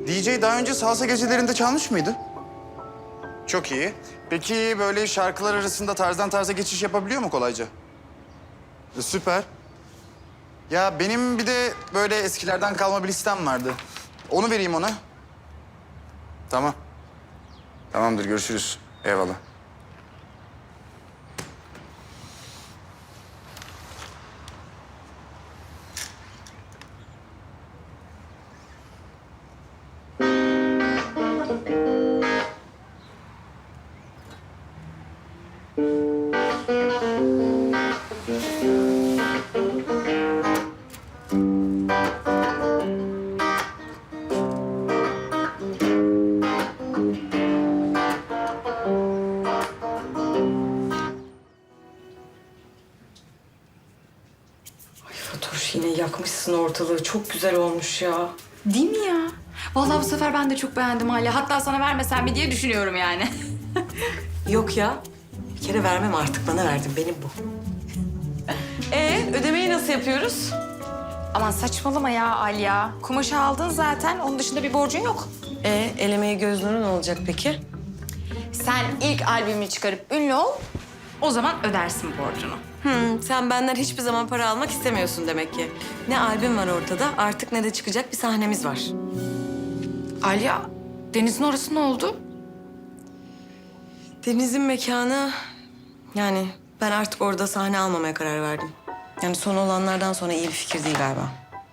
DJ daha önce salsa gecelerinde çalmış mıydı? Çok iyi. Peki böyle şarkılar arasında tarzdan tarza geçiş yapabiliyor mu kolayca? Süper. Ya benim bir de böyle eskilerden kalma bir listem vardı. Onu vereyim ona. Tamam. Tamamdır, görüşürüz. Eyvallah. Fatoş, yine yakmışsın ortalığı. Çok güzel olmuş ya. Değil mi ya? Vallahi bu sefer ben de çok beğendim hala. Hatta sana vermesem mi diye düşünüyorum yani. Yok ya. Bir kere vermem artık. Bana verdin. Benim bu. Ödemeyi nasıl yapıyoruz? Aman saçmalama ya Alya. Kumaşı aldın zaten. Onun dışında bir borcun yok. Elemeye göz nuru ne olacak peki? Sen ilk albümünü çıkarıp ünlü ol. O zaman ödersin borcunu. Sen benden hiçbir zaman para almak istemiyorsun demek ki. Ne albüm var ortada, artık ne de çıkacak bir sahnemiz var. Alya, Deniz'in orası ne oldu? Deniz'in mekanı... Yani ben artık orada sahne almamaya karar verdim. Yani son olanlardan sonra iyi bir fikir değil galiba.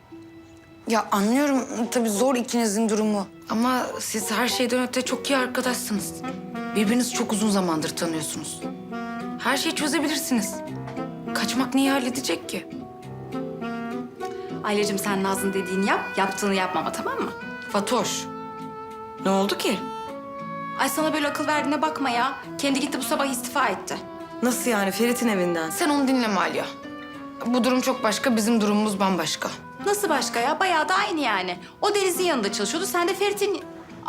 Ya anlıyorum tabii zor ikinizin durumu. Ama siz her şeyden öte çok iyi arkadaşsınız. Birbirinizi çok uzun zamandır tanıyorsunuz. Her şeyi çözebilirsiniz. Kaçmak neyi halledecek ki? Alyacığım sen Naz'ın dediğini yap, yaptığını yapmama tamam mı? Fatoş. Ne oldu ki? Ay sana böyle akıl verdiğine bakma ya. Kendi gitti bu sabah istifa etti. Nasıl yani? Ferit'in evinden. Sen onu dinleme Alya. Bu durum çok başka, bizim durumumuz bambaşka. Nasıl başka ya? Bayağı da aynı yani. O Deniz'in yanında çalışıyordu, sen de Ferit'in...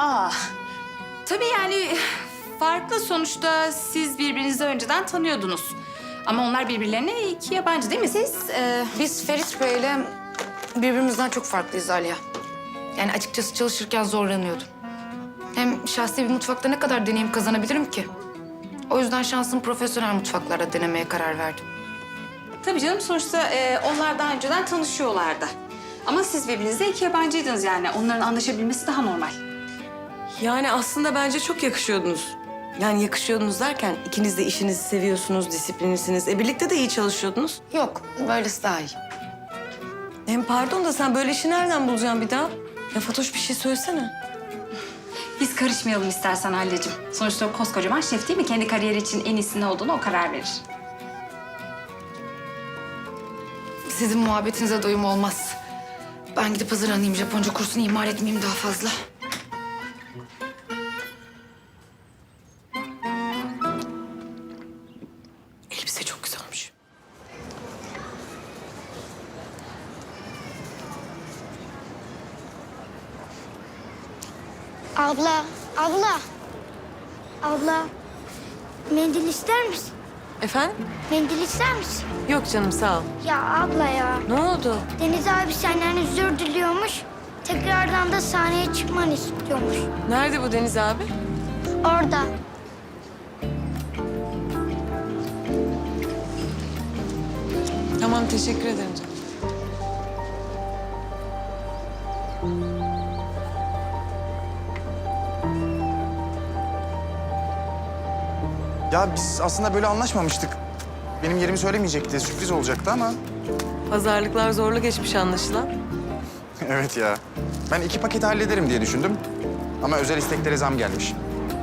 Tabii yani farklı sonuçta siz birbirinizi önceden tanıyordunuz. Ama onlar birbirlerine iki yabancı değil mi? Siz Biz Ferit Bey'le birbirimizden çok farklıyız Alya. Yani açıkçası çalışırken zorlanıyordum. Hem şahsi bir mutfakta ne kadar deneyim kazanabilirim ki? O yüzden şansımı profesyonel mutfaklarda denemeye karar verdim. tabii canım sonuçta onlar daha önceden tanışıyorlardı. Ama siz birbirinize iki yabancıydınız yani. Onların anlaşabilmesi daha normal. Yani aslında bence çok yakışıyordunuz. Yani yakışıyordunuz derken ikiniz de işinizi seviyorsunuz, disiplinlisiniz. Birlikte de iyi çalışıyordunuz. Yok, böylesi daha iyi. Hem pardon da sen böyle işi nereden bulacaksın bir daha? Ya Fatoş bir şey söylesene. Biz karışmayalım istersen Halil'cim. Sonuçta o koskocaman şef değil mi? Kendi kariyeri için en iyisi ne olduğunu o karar verir. Sizin muhabbetinize doyum olmaz. Ben gidip hazırlanayım. Japonca kursunu ihmal etmeyeyim daha fazla. Elbise çok güzel olmuş. Abla, abla. Abla, mendil ister misin? Efendim? Mendil ister misin? Yok canım sağ ol. Ya abla ya, Ne oldu? Deniz abi senden özür diliyormuş. Tekrardan da sahneye çıkmanı istiyormuş. Nerede bu Deniz abi? Orada. Tamam teşekkür ederim canım. Ya biz aslında böyle anlaşmamıştık. Benim yerimi söylemeyecekti, sürpriz olacaktı ama... Pazarlıklar zorlu geçmiş anlaşılan. Evet ya. Ben 2 paketi hallederim diye düşündüm. Ama özel isteklere zam gelmiş.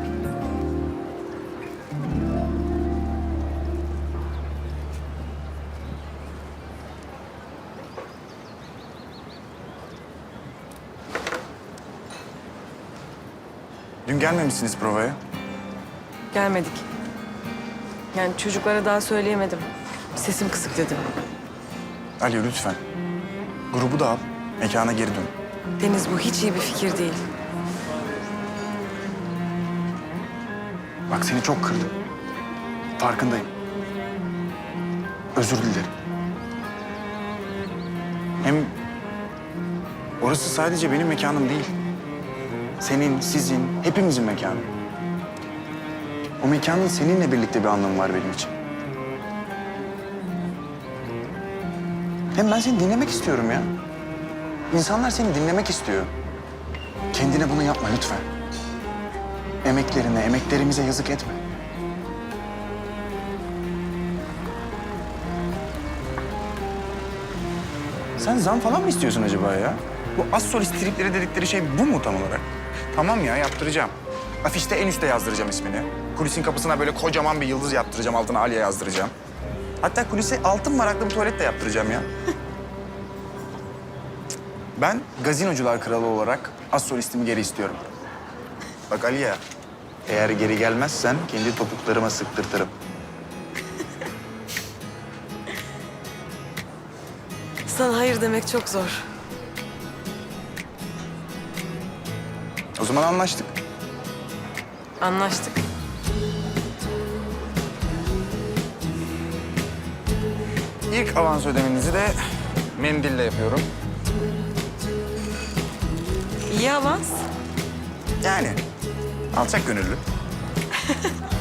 Dün gelmemişsiniz provaya. Gelmedik. Yani çocuklara daha söyleyemedim. Sesim kısık dedim. Ali lütfen. Grubu da al, mekana geri dön. Deniz bu hiç iyi bir fikir değil. Bak seni çok kırdım. Farkındayım. Özür dilerim. Hem orası sadece benim mekanım değil. Senin, sizin, hepimizin mekanı. O mekanın seninle birlikte bir anlamı var benim için. Hem ben seni dinlemek istiyorum ya. İnsanlar seni dinlemek istiyor. Kendine bunu yapma lütfen. Emeklerine, emeklerimize yazık etme. Sen zam falan mı istiyorsun acaba ya? Bu az solist tripleri dedikleri şey bu mu tam olarak? Tamam ya, yaptıracağım. Afişte en üste yazdıracağım ismini. Kulisin kapısına böyle kocaman bir yıldız yaptıracağım, altına Alya yazdıracağım. Hatta kulise altın varaklı bir tuvalet de yaptıracağım ya. Ben gazinocular kralı olarak az solistimi geri istiyorum. Bak Aliye, eğer geri gelmezsen kendi topuklarıma sıktırtırım. Sana hayır demek çok zor. O zaman anlaştık. Anlaştık. İlk avans ödemenizi de mendille yapıyorum. İyi avans. Yani alçak gönüllü.